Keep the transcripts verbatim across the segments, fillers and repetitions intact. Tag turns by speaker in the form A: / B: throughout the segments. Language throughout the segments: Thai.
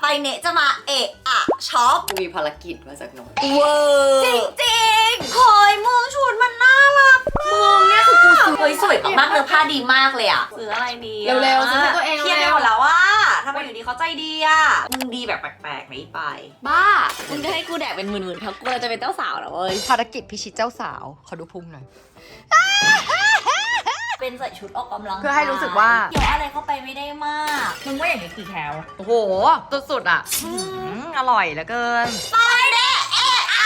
A: ไปเนะจะมาเอะอะช็อป
B: กูมีภารกิจมาจากโน้ต
A: เวอร์จริงจริงๆเฮ้ยมึงชุดมันน่ารักมาก
B: มึงเนี่ยคือกูซื้อ
A: เฮ้ยสวยมากๆเลยผ้าดีมากเลยอ่ะซื้ออะไรดีอะ
B: เร็วๆซื้อให้ตัวเอง
A: เครียดไป
B: เร็ว
A: หมดแล้วว่าทำไมอยู่ดีเขาใจดีอ่ะมึงดีแบบแปลกๆไหมไป
B: บ้ามึงจะให้กูแดกเป็นหมื่นๆเพราะกูจะเป็นเจ้าสาวเหรอเว้ย
C: ภารกิจพิชิตเจ้าสาวขอดูพุงหน่อย
A: เป็นใส่ชุดออกกำลัง
C: เพื่อให้รู้สึกว่า
A: เกี่ยวอะไรเข้าไปไม่ได้มาก
D: มึงว่าอย่างนี้กี่แคล
C: โอ้โหสุดๆอ่ะอืมอร่อยเหลือเกิน
A: ไปเนะเอะอะ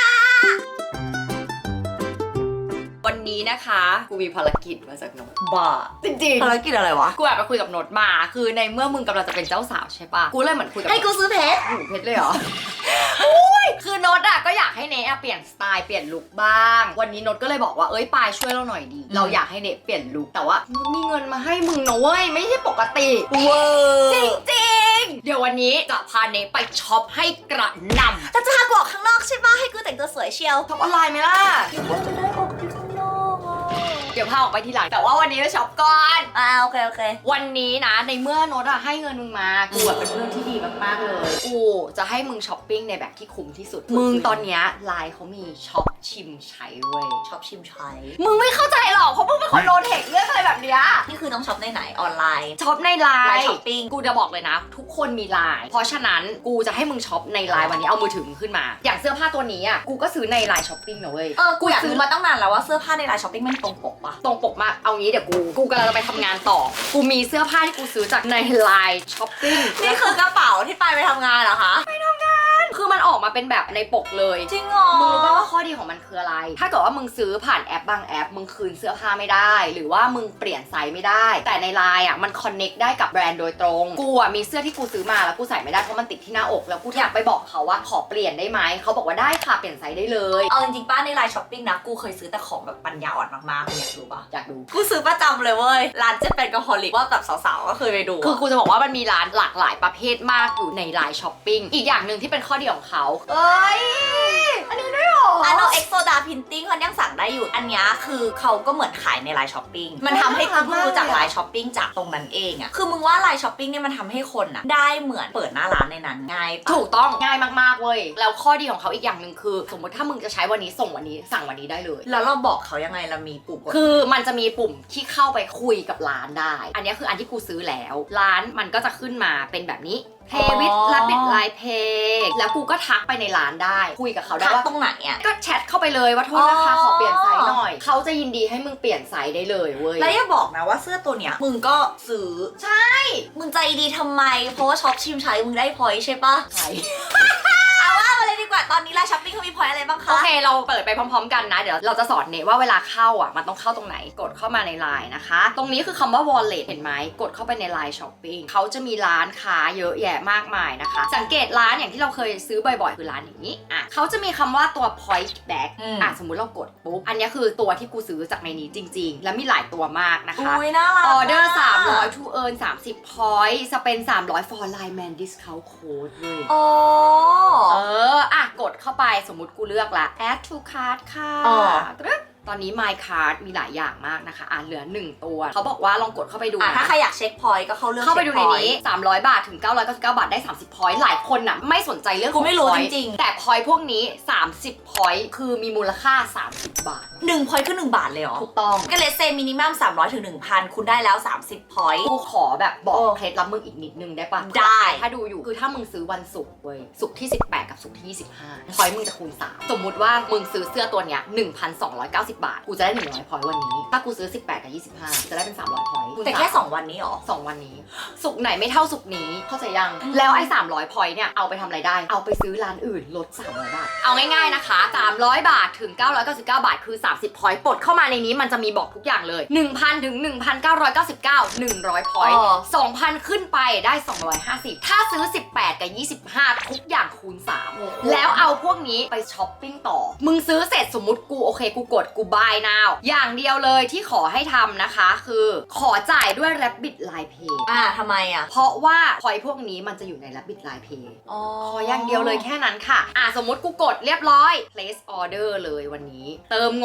B: วันนี้นะคะกูมีภารกิจมาจากโน้ตบ้าจริง
A: ภารกิจอะไรวะ
B: ๆกูแอบไปคุยกับโน้ตมาคือในเมื่อมึงกำลังจะเป็นเจ้าสาวใช่ปะกูเลยเหมือนคุยกับ
A: ให้กูซื้อเพชร
B: หูเพชรเลยเหรอ คือโน้ตอะก็อยากให้เนทอะเปลี่ยนสไตล์เปลี่ยนลุคบ้าง วันนี้โน้ตก็เลยบอกว่าเอ้ยปายช่วยเราหน่อยดี เราอยากให้เนทเปลี่ยนลุคแต่ว่ามีเงินมาให้มึงนะเว้ยไม่ใช่ปกติ
A: เวอร์
B: จริงจริงๆเดี๋ยววันนี้จะพาเนทไปช็อปให้กระหน่ำ
A: แต่จะพากูออกข้างนอกใช่ปะให้กูแต่งตัวสวยเชียว
B: ช็อปออนไลน์ไหมล่ะ
A: กูจะได้ออกที่ข้างนอกอ่ะ
B: เดี๋ยวพาออกไปทีหลังแต่ว่าวันนี้เราช็อปก่อน
A: อ่าโอเคโอเค
B: วันนี้นะในเมื่อโน้ตอะให้เงินมึงมากูอะเป็นเพื่อนที่ดีมากๆเลยกูจะให้มึงช้อปปิ้งในแบบที่คุ้มที่สุดมึงตอนเนี้ยไลน์เขามีช็อปชิมใช้เว้ย
A: ช็อปชิมใช้
B: มึงไม่เข้าใจหรอกเพราะมึงเป็นคนโดนเทคเรื่องอะไรแบบเนี้ย
A: นี่คือต้องช็อปในไหนออนไลน์
B: ช็อปในไล
A: ไลน์
B: น์
A: ช้อปปิ้ง
B: กูจะบอกเลยนะ ทุกคนมีไลน์เพราะฉะนั้นกูจะให้มึงช็อปในไลน์วันนี้เอามือถือมึงขึ้นมา อย่างเสื้อผ้าตัวนี้อ่ะกูก็ซื้อในไลน์ช้อปปิ้งนะเว้ย
A: เออกูอยากรู้มาตั้งนานแล้วว่าเสื้อผ้าในไลน์ช้อปปิ้งมันตรงปกปะ
B: ตรงปกมากเอางี้เดี๋ยวกูกูกำลังจะไปทำงานต่อ กูมีเสื้อผ้าที่กูซื้อจากในไลน์ช้อปปิ้ง
A: นี่คือกระเป๋าที่ไปไปทำงานเหรอคะ
B: คือมันออกมาเป็นแบบในปกเลย
A: จริงเหรอ
B: มึงรู้ป่าวว่าข้อดีของมันคืออะไร ถ้าเกิดว่ามึงซื้อผ่านแอปบางแอป มึงคืนเสื้อผ้าไม่ได้ หรือว่ามึงเปลี่ยนไซส์ไม่ได้ แต่ในไลน์อ่ะมันคอนเน็กได้กับแบรนด์โดยตรง กูอ่ะมีเสื้อที่กูซื้อมาแล้วกูใส่ไม่ได้เพราะมันติดที่หน้าอก แล้วกูอยากไปบอกเขาว่าขอเปลี่ยนได้ไหม เขาบอกว่าได้ค่ะเปลี่ยนไซส์ได้เลย
A: เอาจริงๆป้าในไลน์ช้อปปิ้งนะกูเคยซื้อแต่ของแบบปัญญาอ่อนมากๆมึงอยากรู้ปะ
B: อยากดู
A: กูซื้อประจำเลยเว้ยร้านเจ๊เป็นกะฮอลิกว่าแบบสาวๆก็เคยไปดู
B: คือกูจะบอกว่ามันมีร้านหลากหลายประเภทมากอยู่ในไลน์ช้อปปิ้ง อีกอย่างหนึ่งที่เป็นข้อดีของเขาเอ้ย อันนี้ด้วยเหรอ
A: อันโนเอ็กโซดาพินติ้งเขายังสั่งได้อยู่ อันนี้คือเขาก็เหมือนขายในไลน์ช้อปปิ้ง มันทำให้กูเพิ่งรู้จักไลน์ช้อปปิ้งจากตรงนั้นเองอะคือมึงว่าไลน์ช้อปปิ้งเนี่ยมันทำให้คนอะได้เหมือนเปิดหน้าร้านในนั้นง่ายปะ
B: ถูกต้องง่ายมากๆเว้ย แล้วข้อดีของเขาอีกอย่างหนึ่งคือ สมมติถ้ามึงจะใช้วันนี้ส่งวันนี้สั่งวันนี้ได้เลย
A: แล้วเราบอกเขายังไงเรามีปุ่มกด
B: คือมันจะมีปุ่มที่เข้าไปคุยกับร้านได้ อันนี้คืออันที่กูซื้อแล้ว ร้านมันก็จะขึ้นมาเป็นแบบนี้ Pay with Rapid Line Pay แล้วกูก็ทักไปในร้านได้ คุยกับเขาได้
A: ทัก
B: ว่า
A: ตรงไหนอะ
B: ก็แชทเข้าไปเลยว่าโทษนะคะ
A: อ๋อ
B: ขอเปลี่ยนไซส์หน่อย เขาจะยินดีให้มึงเปลี่ยนไซส์ได้เลยเว้ย
A: แล้วอย่าบอกนะว่าเสื้อตัวเนี้ยมึงก็ซื้อ
B: ใช่
A: มึงใจดีทำไม เพราะว่าช็อปชิมใช้มึงได้พอยต์ใช่ปะ
B: ใช่
A: เอาว่ามาเลยดีกว่า ตอนนี้ไลน์ช้อปปิ้งเขามีพอยต์อะไรบ้างคะ
B: โอเคเราเปิดไปพร้อมๆกันนะ เดี๋ยวเราจะสอนเนว่าเวลาเข้าอ่ะมันต้องเข้าตรงไหน กดเข้ามาในไลน์นะคะ ตรงนี้คือคำว่า wallet เห็นไหม กดเข้าไปในไลน์ช้อปปิ้งเขาจะมีร้านค้าเยอะแยะมากมายนะคะ สังเกตร้านอย่างที่เราเคยซื้อบ่อยๆ คือร้านอย่างนี้อ่ะเขาจะมีคำว่าตัว point back อ่ะสมมุติเรากดปุ๊บ อันนี้คือตัวที่กูซื้อจากในนี้จริงๆ แล้วมีหลายตัวมากนะคะ
A: อุ้ยน่ารัก
B: ออเดอร์
A: ะ
B: สามร้อย to earn สามสิบ point สเปนสามร้อย for line man discount code เลย
A: อ๋อ
B: เออ อ่ะ กดเข้าไปสมมุติกูเลือกละ add to cart ค่ะ
A: อ๋อ
B: ตึ๊ดตอนนี้ my card มีหลายอย่างมากนะคะ อ่ะ เหลือหนึ่งตัว เขาบอกว่าลองกดเข้าไปดู
A: อ่ะ
B: นะ
A: ถ้าใครอยากเช็คพอยต์ก็เข้าเรื่อง
B: เข้าไปดูใน
A: ช็คพอยต์
B: นี้ สามร้อย บาทถึง เก้าร้อยเก้าสิบเก้า บาทได้ สามสิบ point หลายคนน่ะ ไม่สนใจเรื่อง
A: กูไม่รู้
B: ของ point
A: จริงๆ
B: แต่ point พวกนี้ สามสิบ point คือมีมูลค่า สามสิบ บาท
A: หนึ่งพอยต์คือหนึ่งบาทเลยเหรอ
B: ถูกต้อง
A: ก็เลสเซมินิมัมสามร้อยถึงหนึ่งพันคุณได้แล้วสามสิบพอยต์
B: กูขอแบบบอก
A: โอ้
B: เคล็ดลับมึงอีกนิดนึงได้ปะ
A: ได้
B: ถ้าดูอยู่คือถ้ามึงซื้อวันศุกร์เว้ยศุกร์ที่สิบแปดกับศุกร์ที่ยี่สิบห้าพอยต์มึงจะคูณสามสมมุติว่ามึงซื้อเสื้อตัวเนี้ย หนึ่งพันสองร้อยเก้าสิบ บาทกูจะได้หนึ่งร้อยพอยต์วันนี้ถ้ากูซื้อสิบแปดกับยี่สิบห้าจะได้เป็นสามร้อยพอยต์
A: แต่แค่สองวันนี้เหรอ
B: สองวันนี้ศุกร์ไหนไม่เท่าศุกร์นี้เข้าใจยังแล้วไอ้สามร้อยพอยต์เนี่ยเอาไปทำอะไรได้เอาไปซื้อร้านอื่นลดสามร้อยบาทเอาง่ายๆนะคะสามร้อยบาทถึงเก้าร้อยเก้าสิบเก้าบาทคือสามสิบพอยต์ปลดเข้ามาในนี้มันจะมีบอกทุกอย่างเลย หนึ่งพัน ถึง หนึ่งพันเก้าร้อยเก้าสิบเก้า หนึ่งร้อยพอยต์
A: อ๋อ
B: สองพัน ขึ้นไปได้สองร้อยห้าสิบถ้าซื้อสิบแปดกับยี่สิบห้าทุกอย่างคูณสามแล้วเอาพวกนี้ไปช้อปปิ้งต่อมึงซื้อเสร็จสมมุติกูโอเคกูกดกู buy now อย่างเดียวเลยที่ขอให้ทำนะคะคือขอจ่ายด้วย Rabbit Line Pay
A: อ่าทำไมอ่ะ
B: เพราะว่าพอยพวกนี้มันจะอยู่ใน Rabbit Line Pay
A: อ๋อ
B: ขออย่างเดียวเลยแค่นั้นค่ะอ่ะสมมติกูกดเรียบร้อย place order เลยวันนี้ เติมงง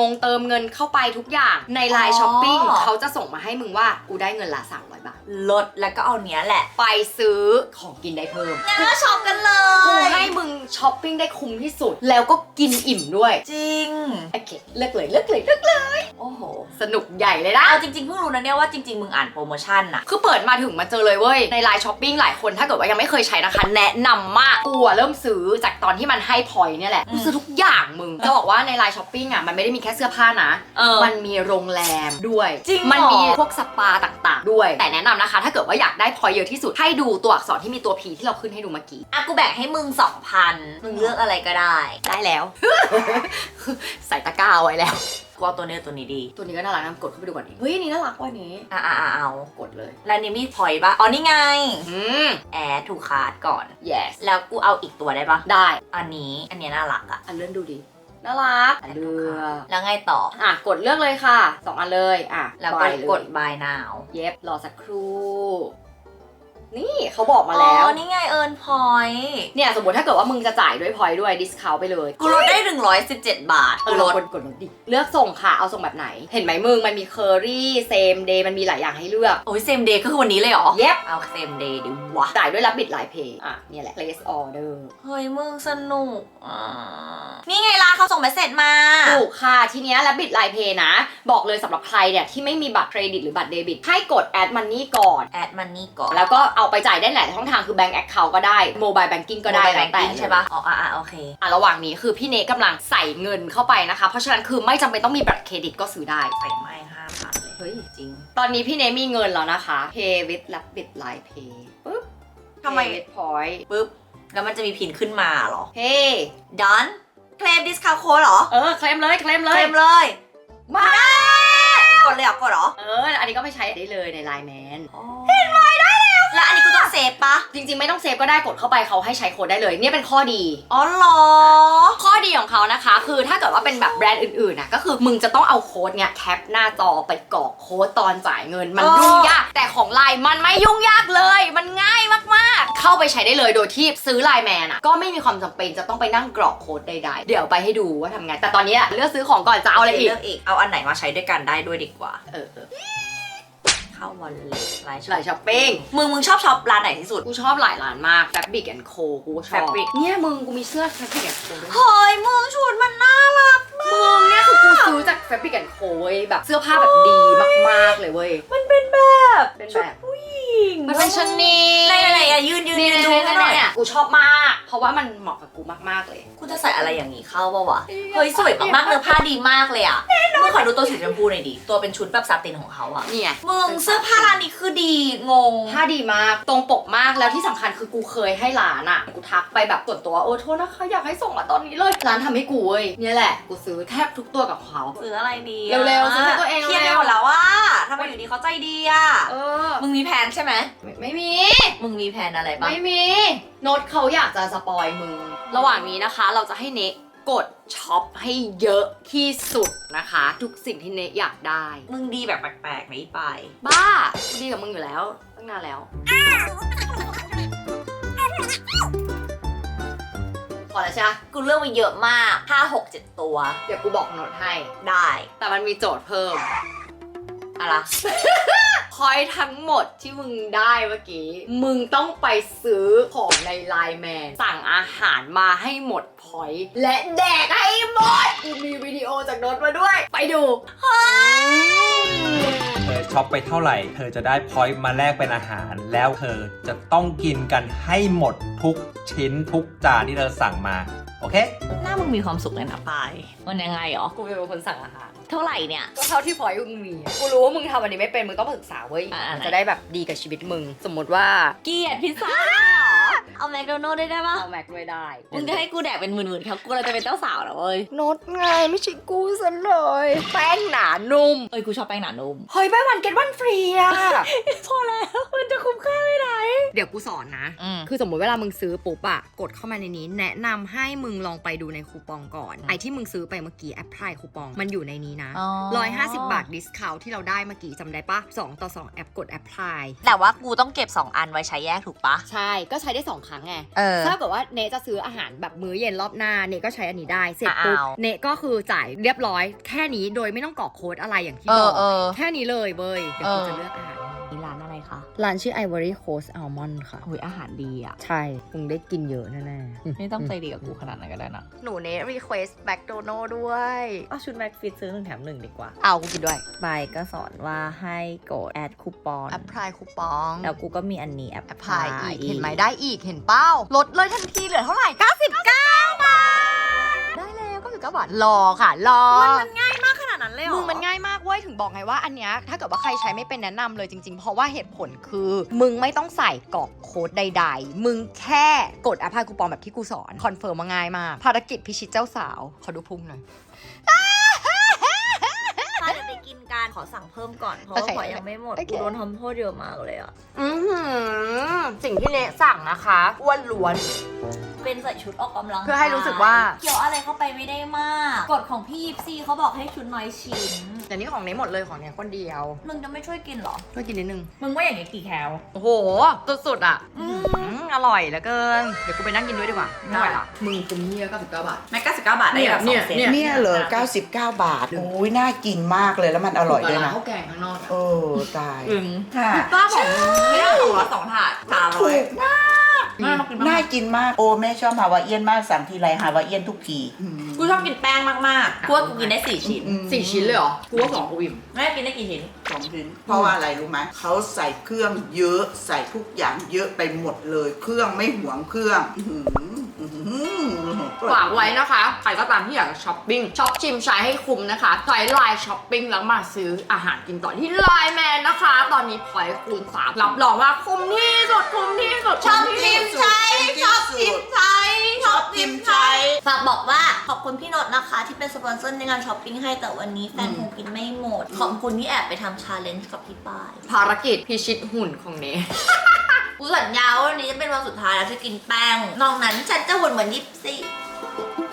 B: งเติมเงินเข้าไปทุกอย่างในไลน์ช้อปปิ้งเขาจะส่งมาให้มึงว่ากูได้เงินละสามร้อยบาท
A: ลดแล้วก็เอาเนี้ยแหละ
B: ไปซื้อของกินได้เพิ่ม
A: งั้นก็ช็อปกันเล
B: กู
A: ย
B: ให้มึงช้อปปิ้งได้คุ้มที่สุดแล้วก็กินอิ่มด้วย
A: จริง
B: โอเคเลือกเลยเลือกเลยเลือกเลย
A: โอ้โห
B: สนุกใหญ่เลยนะ
A: เอาจริงๆเพิ่งรู้นะเนี่ยว่าจริงๆมึงอ่านโปรโมชั่นอะ
B: คือเปิดมาถึงมาเจอเลยเว้ยในไลน์ช้อปปิ้งหลายคนถ้าเกิดว่ายังไม่เคยใช้นะคะแนะนำมากกูอะเริ่มซื้อจากตอนที่มันให้พอยต์เนี่ยแหละกูซื้อทุกอย่างมึงจะบอกว่าในไลน์ช้อปปิ้งอะมันไม่ได้มีแค่เสื้อผ้านะ
A: เออ
B: มันมีโรงแรมด้วย
A: จริงเหรอ
B: มันมีพวกสปาต่างๆด้วยแต่แนะนำนะคะ ถ้าเกิดว่าอยากได้พอยต์เยอะที่สุดให้ดูตัวอักษรที่มีตัว P ที่เราขึ้นให้ดูเมื่อกี้
A: อ่ะกูแบ่งให้มึงสองพันมึงเลือกอะไรก็ได้
B: ได้แล้ว ใส่ตะกร้าไว้แล้ว
A: กูเอาตัวนี้ตัวนี้ดี
B: ตัวนี้ก็น่ารักนะกดเข้าไปดูก่อนดิเฮ้ยอันนี่น่ารักว่ะอันนี้
A: อ่ะอ่ะอ่ะเอา
B: กดเลย
A: แล้วนี่มีพอยต์ปะอ๋อนี่ไง
B: อืม
A: แอดถูกคาร์ดก่อน
B: yes
A: แล้วกูเอาอีกตัวได้ปะ
B: ได้
A: อันนี้อันเนี้ยน่ารักอะ
B: อันเลื่อนดูดิน่ารักเลือก
A: แล้วไงต่อ
B: อ่ะกดเลือกเลยค่ะสองอันเลยอ่ะ
A: แล้วก็
B: ไปเลย
A: กด buy now
B: เย็บรอสักครู่ นี่เขาบอกมาแล้ว
A: อ๋อนี่ไงเอิร์นพอยต์
B: เนี่ยสมมติถ้าเกิดว่ามึงจะจ่ายด้วยพอยด้วยดิสคาวไปเลย
A: กูลดได้หนึ่งร้อยสิบเจ็ดบาท
B: เอ
A: กู
B: อ
A: ล
B: ล
A: ด
B: ดกดลดดิเลือกส่งค่ะเอาส่งแบบไหน เห็นไหมมึงมันมีเคอรี่เซมเดย์มันมีหลายอย่างให้เลือก
A: โอ้ยเซมเดย์ก็คือวันนี้เลยเหรอ
B: เย็บ
A: เอาเซมเดย์ดิวะ
B: จ่ายด้วยรับบิดไลน์เพย์อ่ะเนี่ยแหละ place order
A: เฮ้ยมึงสนุกอ่ะนี่ไงล่ะเขาส่งเมสเซจมา
B: ถูกค่ะทีเนี้ยรับบิดไลน์เพย์นะ บอกเลยสำหรับใครเนี่ยที่ไม่มีบัตรเครดิตหรือบัตรเดบิตให้กด add money ก่อน
A: แอดมันนี่ก่อน
B: แล้วก็เอาไปจ่ายได้หลายช่องทางคือ bank account ก็ได้ mobile banking ก็ได้
A: Mobile
B: แล้วแต่
A: Banking ใช่ปะอ๋ออ่ะอ่ะโอเค
B: อ่ะระหว่างนี้คือพี่เนกำลังใส่เงินเข้าไปนะคะ เพราะฉะนั้นคือไม่จำเป็นต้องมีบัตรเครดิตก็ซื้อได้
A: ใส่ไม้ห้าพันเลย
B: เฮ้ย
A: จริง
B: ตอนนี้พี่เนมีเงินแล้วนะคะ pay with rabbit line pay ปึ๊บ
A: ทำไม
B: pay with point
A: ปุ๊บ แล้วมันจะมีพินขึ้นมาเหรอ
B: hey
A: done เคลมดิสคาวโค้ดเหรอ
B: เออเคลมเลยเคลมเล
A: เคล
B: ย
A: มเลย
B: มา
A: กดเลยเหรอกดเหรอ
B: เอออันนี้ก็ไปใช้ได้เลยใน Line Man
A: เห็นไหมได้แล้ว แล้วอันนี้กูต้องเซฟปะ
B: จริงๆไม่ต้องเซฟก็ได้กดเข้าไปเขาให้ใช้โค้ดได้เลยเนี่ยเป็นข้อดี
A: อ๋อเหรอ
B: ข้อดีของเขานะคะ คือถ้าเกิดว่าเป็นแบบแบรนด์อื่นๆนะก็คือมึงจะต้องเอาโค้ดเนี่ยแคปหน้าจอไปกรอกโค้ดตอนจ่ายเงินมัน
A: เออ
B: ยุ่งยากแต่ของ Line มันไม่ยุ่งยากเลย มันง่ายมากๆ เข้าไปใช้ได้เลยโดยที่ซื้อ Line Man อ่ะก็ไม่มีความจำเป็นจะต้องไปนั่งกรอกโค้ดใดๆเดี๋ยวไปให้ดูว่าทำไงแต่ตอนนี้อะเลือกซื้อของก่อนจะเอาอะไรอีก
A: เลือกอีก เอาอันไหนมาใช้ด้วยกันได้ด้วยดีกว่า
B: เออเออ
A: เข้าวอลเล็ตไลน์
B: หลายช้อปปิ้ง
A: มึงมึงชอบช็อปร้านไหนที่สุด
B: กูชอบหลายร้านมาก Fabric and Co กูก็ชอบ
A: Fabric
B: เนี่ยมึงกูมีเสื้อ Fabric and Co ด้วย
A: เฮ้ยมึงชุดมันน่ารักมาก
B: มึงเนี่ยคือกูซื้อจาก Fabric and Co เว้ยแบบเสื้อผ้าแบบดีมากๆเลยเว้ย
A: มันเป็นแบบ
B: เป็นแบบ
A: ชุดผู้หญิง
B: มันเป็นชนี
A: ไหนไหนไหนอะยืนยืน
B: นี่
A: ยืน
B: ดู
A: ดู
B: ให้
A: ให้
B: ห
A: ห
B: น่
A: น่
B: อ
A: อย ย
B: อ่ะกูชอบมาก เพราะว่ามันเหมาะกับกูมากๆเลย
A: กูจะใส่อะไรอย่างนี้เข้าปะวะ เฮ้ยสวยมากๆเนื้อผ้าดีมากเลยอะมึงขอดูตัวสีชมพูหน่อยดิ ตัวเป็นชุดแบบซาตินของเขาอะ
B: นี่ไง
A: มึงเสื้อผ้าร้านนี้คือดีงง
B: ผ้าดีมากตรงปกมากแล้วที่สำคัญคือกูเคยให้ร้านอ่ะกูทักไปแบบส่วนตัวเออโทษนะคะอยากให้ส่งมาตอนนี้เลยร้านทำให้กูเว้ยเนี่ยแหละกูซื้อแทบทุกตัวกับเขา
A: ซื้ออะไรดีอะ
B: เร็วๆซื้อให้ตัวเอง
A: เครียดไป
B: เร็ว
A: หมดแล้วว่าทำไมอยู่ดีเขาใจดีอะ
B: เออ
A: มึงมีแผนใช่ไหม
B: ไม่ไม่มี
A: มึงมีแผนอะไรบ้าง
B: ไม่มีโน้ตเขาอยากจะสปอยมึง ระหว่างนี้นะคะเราจะให้เนกกดช็อปให้เยอะที่สุดนะคะ ทุกสิ่งที่เนกอยากได้
A: มึงดีแบบแปลกๆไหมอีไป
B: บ้ากูดีกับมึงอยู่แล้วตั้งนานแล้วพอแล้วใช่ปะ
A: กูเลือกมาเยอะมากห้า หก เจ็ดตัว
B: เดี๋ยวกูบอกโน้ตให้
A: ได้
B: แต่มันมีโจทย์เพิ่ม
A: อะไร
B: พอยทั้งหมดที่มึงได้เมื่อกี้ มึงต้องไปซื้อของในไลน์แมนสั่งอาหารมาให้หมดพอยต์และแดกให้หมด กูมีวิดีโอจากโน้ตมาด้วย ไปดู
D: เธอช็อปไปเท่าไหร่ เธอจะได้พอยต์มาแลกเป็นอาหาร แล้วเธอจะต้องกินกันให้หมดทุกชิ้นทุกจานที่เธอสั่งมา โอเค
A: หน้ามึงมีความสุขเลยนะปายมันยังไงหรอ
B: กูเป็นคนสั่งอาหาร
A: เท่าไหร่เนี่ย
B: ก็เท่าที่พอยต์มึงมีอะกูรู้ว่ามึงทำอันนี้ไม่เป็น มึงต้องมาศึกษาเว้ย
A: อ่าๆ
B: มันจะได้แบบดีกับชีวิตมึง สมมติว่า
A: เกลียดพิซซ่าเอาแมคโดนัลด์ได้ได้ปะ
B: เอาแม็กด้วยได้
A: มึงจะให้กูแดกเป็นหมื่นๆครับกูเราจะเป็นเจ้าสาวแล้วเว้ย
B: โน้ตไงไม่ใช่กูซะเลย แป้งหนานุ่ม
A: เอ้ยกูชอบแป้งหนานุ่ม
B: เฮ้ย buy one get one free อะ
A: พอแล้วมันจะคุ้มค่าไม่ได้
B: เดี๋ยวกูสอนนะ
A: อืม
B: คือสมมติเวลามึงซื้อปุ๊บอะกดเข้ามาในนี้ แนะนำให้มึงลองไปดูในคูปองก่อน ไอที่มึงซื้อไปเมื่อกี้แอปพลายคูปองมันอยู่ในนี้นะ
A: อ๋อ
B: หนึ่งร้อยห้าสิบบาทดิสคาวที่เราได้เมื่อกี้จำได้ปะสองต่อสองแอปกดแอปพลาย
A: แต่ว่ากูต้องเก็บสองอันไว้ใช้แยกถูกปะ
B: ใช่ก็ใช้ได้สองครั้งไง
C: เออ
B: ถ้าเกิดว่าเนจะซื้ออาหารแบบมื้อเย็นรอบหน้าเนก็ใช้อันนี้ได้เสร็จ
C: อ่ะ
B: ปุ๊บ
C: เอา
B: เนก็คือจ่ายเรียบร้อยแค่นี้โดยไม่ต้องกรอกโค้ดอะไรอย่างที่
C: เอบ
B: อ
C: อก เออ
B: แค่นี้เลยเบยเดี๋ยว
C: เอ
B: กู
C: อ
B: จะเลือกอาหาร
A: นี่ร้านอะไรคะ
B: ร้านชื่อ Ivory Coast Almond ค่ะ
A: โอ้ยอาหารดีอ่ะ
B: ใช่มึงได้กินเยอะแน่ๆ
A: ไม่ต้องใจดีกับกูขนาดนั้นก็ได้นะ
C: หนูเนรีเควสแมคโดนัลด้วย
A: เอาชุดแม็กฟิตซื้อหนึ่งแถมหนึ่งดีกว่า
C: เอากูกินด้วย
A: ใบก็สอนว่าให้กดแอดคูปอง
C: แอปพลายคูปอง
A: แล้วกูก็มีอันนี้แอป
C: แอปพลายอีก เห็นไหมได้อีก เห็นเป้า ลดเลยทันทีเหลือเท่าไหร่ เก้าสิบเก้า บาท ได้แล้วเก้าสิบเก้าบาท รอค่ะ รอ
A: มันง่ายมากขนาดนั้นเลยเหรอ
C: มึงมันง่ายมากเว้ย ถึงบอกไงว่าอันเนี้ยถ้าเกิดว่าใครใช้ไม่เป็นแนะนำเลยจริงๆ เพราะว่าเหตุผลคือ มึงไม่ต้องใส่กรอกโค้ดใดๆ มึงแค่กดแอปพลายคูปองแบบที่กูสอน คอนเฟิร์มมาง่ายมาก ภารกิจพิชิตเจ้าสาว ขอดูพุงหน่อย
A: ถ้าเดี๋ยวไปกินกันขอสั่งเพิ่มก่อน เพราะว่า
C: โอเค
A: ขอยังไม่หมด
C: โอเค
A: กูโดนทำโทษเยอะมากเลยอ่ะ
C: อือหือสิ่งที่เนสั่งนะคะอ้วนล้วน
A: เป็นใส่ชุดออกกำลัง
C: เพื่อให้รู้สึกว่า
A: เกี่ยวอะไรเข้าไปไม่ได้มาก กฎของพี่ยิปซีเขาบอกให้ชุดน้อยชิ้น
C: แต่นี่ของเนหมดเลยของเนคนเดียว
A: มึงจะไม่ช่วยกินเหรอ
C: ช่วยกินนิดนึง
A: มึงว่าอย่างนี้กี่แคล
C: โอ้โห สุดๆอ่ะอืมอร่อยเหลือเกิน เดี๋ยวกูไปนั่งกินด้วยดีกว่า ไม่ไหวละ
B: มึงคุ้มเนี่ยเก้าสิบเก้าบาท
A: แม็กเก้าสิบเก้าบาทได้แบบสองเซต
E: เนี่ยเหรอเก้าสิบเก้า บาท โอ้ยน่ากินมากเลยแล้วมันอร่อยด้วยนะ
B: ข้าวแกงข้างนอก
E: โอ้ตาย
A: อึง
E: ค่ะ
A: ป้าบอกไม่ได้สองร้อยสองถาดสามร้
E: ถู
A: อย
E: กมาก
A: น่ามากินมาก
E: น่ากินมาก โอ้แม่ชอบฮาวาเอียนมากสั่งทีไรฮาวาเอียนทุกทีอืม
A: กูชอบกินแป้งมากๆกูว่ากูกินได้สี่ชิ้น
E: อืม
B: สี่ชิ้นเลยเหรอ กูว่าสองกูอิ่ม
A: แม่กินได้กี่ชิ้น
E: สองชิ้นเพราะว่าอะไรรู้ไหมเขาใส่เครื่องเยอะใส่ทุกอย่างเยอะไปหมดเลย เครื่องไม่หวงเครื่องอื้อหืออื้อหือ
B: ฝากไว้นะคะ ใครก็ตามที่อยากช้อปปิ้งช็อปชิมใช้ให้คุ้มนะคะใช้ไลน์ช้อปปิ้งแล้วมาซื้ออาหารกินต่อที่ไลน์แมนนะคะ ตอนนี้พอยต์คูณสามรับรองว่าคุ้มที่สุดคุ้มที่สุด
A: ชอบ
B: คุ้ม
A: ทิ
B: ที่
A: ม
B: สุด
A: ใช้ชอบทิมใช้ชอบทิมใช้
E: ชอบทิมใช้
A: ฝากบอกว่าขอบคุณพี่โนดนะคะ ที่เป็นสปอนเซอร์ในงานช้อปปิ้งให้แต่วันนี้แฟนคงกินไม่หมด ขอบคุณที่แอบไปทำชาเลนจ์กับพี่ป้าย
B: ภารกิจพิชิตหุ่นของเน
A: กูสัญญาว่าวันนี้จะเป็นวันสุดท้ายแล้วที่กินแป้งนอกนั้นฉันจะหุ่นเหมือนยิปซี่